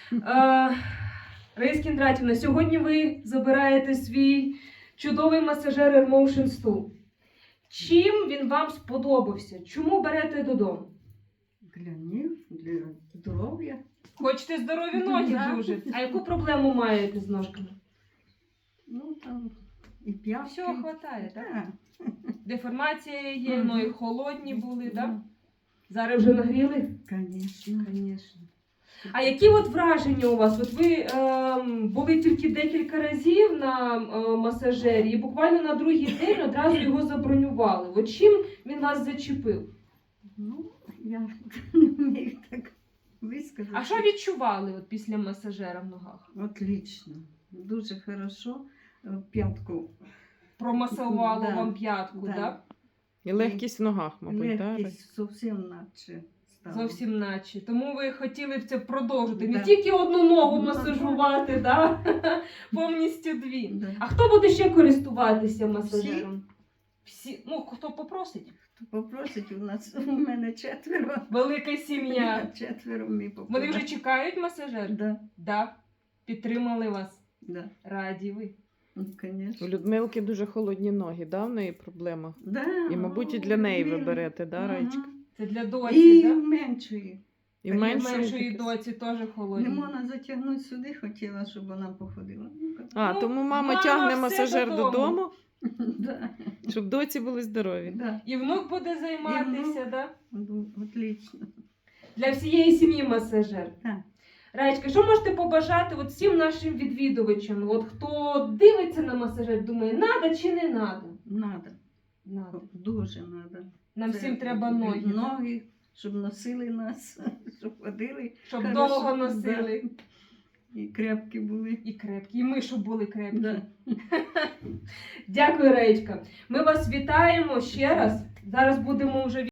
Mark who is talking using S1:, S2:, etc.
S1: Раїса Кіндратівна, сьогодні ви забираєте свій чудовий масажер AirMotion Stool. Чим він вам сподобався? Чому берете додому?
S2: Для них, для здоров'я.
S1: Хочете здорові ноги
S2: Да.
S1: дуже. А яку проблему маєте з ножками?
S2: Ну там і п'ятки.
S1: Всього хватає, так?
S2: Так.
S1: Деформація є,
S2: Мгм.
S1: ноги холодні були, так?
S2: Ну,
S1: Зараз вже нагріли?
S2: Звісно.
S1: Звісно. А які от враження у вас? От ви були тільки декілька разів на масажері і буквально на другий день одразу його забронювали. От чим він вас зачепив?
S2: Ну, я не вмію так висказати.
S1: А що відчували от після масажера в ногах?
S2: Отлично. Дуже хорошо. П'ятку.
S1: Промасувало
S2: Да.
S1: вам п'ятку,
S2: Да.
S1: так?
S3: І легкість в ногах, мабуть, так?
S2: Легкість зовсім наче стала.
S1: Зовсім наче. Тому ви хотіли б це продовжити. Не
S2: Да.
S1: тільки одну ногу
S2: Ну,
S1: масажувати, да? Повністю дві.
S2: Да.
S1: А хто буде ще користуватися масажером? Всі. Ну, хто попросить?
S2: Хто попросить, у мене 4.
S1: Велика сім'я.
S2: 4 мій
S1: Вони вже чекають масажер?
S2: Да,
S1: Да. Підтримали вас.
S2: да.
S1: Раді ви.
S2: Ну,
S3: У
S2: конечно.
S3: Людмилки дуже холодні ноги, да, в неї проблема?
S2: Да,
S3: І, мабуть, і для неї ви
S2: вірно.
S3: берете, да, Раєчка?
S2: Ага.
S1: Це для доці,
S2: І
S1: так?
S2: меншої.
S3: І
S1: І меншої
S3: таке.
S1: доці теж холодні.
S2: Не можна затягнути сюди, хотіла, щоб вона походила.
S3: А,
S1: Ну,
S3: тому мама
S1: мама
S3: тягне
S1: все
S3: масажер
S1: додому.
S3: додому,
S2: Да,
S3: щоб доці були здорові.
S2: да.
S1: І внук буде займатися,
S2: І внук.
S1: так?
S2: Ну, отлично.
S1: Для всієї сім'ї масажер.
S2: Так.
S1: Раєчка, що можете побажати от всім нашим відвідувачам? От хто дивиться на масажер, думає, надо чи не надо?
S2: Надо.
S1: Надо.
S2: Дуже надо.
S1: Нам
S2: Це
S1: всім треба ноги, да?
S2: Ноги, щоб носили нас, щоб ходили.
S1: Щоб
S2: хорошо,
S1: довго носили.
S2: Да. І крепкі були.
S1: І крепкі, і ми, щоб були крепкі.
S2: Да.
S1: Дякую, Раєчка. Ми вас вітаємо ще раз. Зараз будемо вже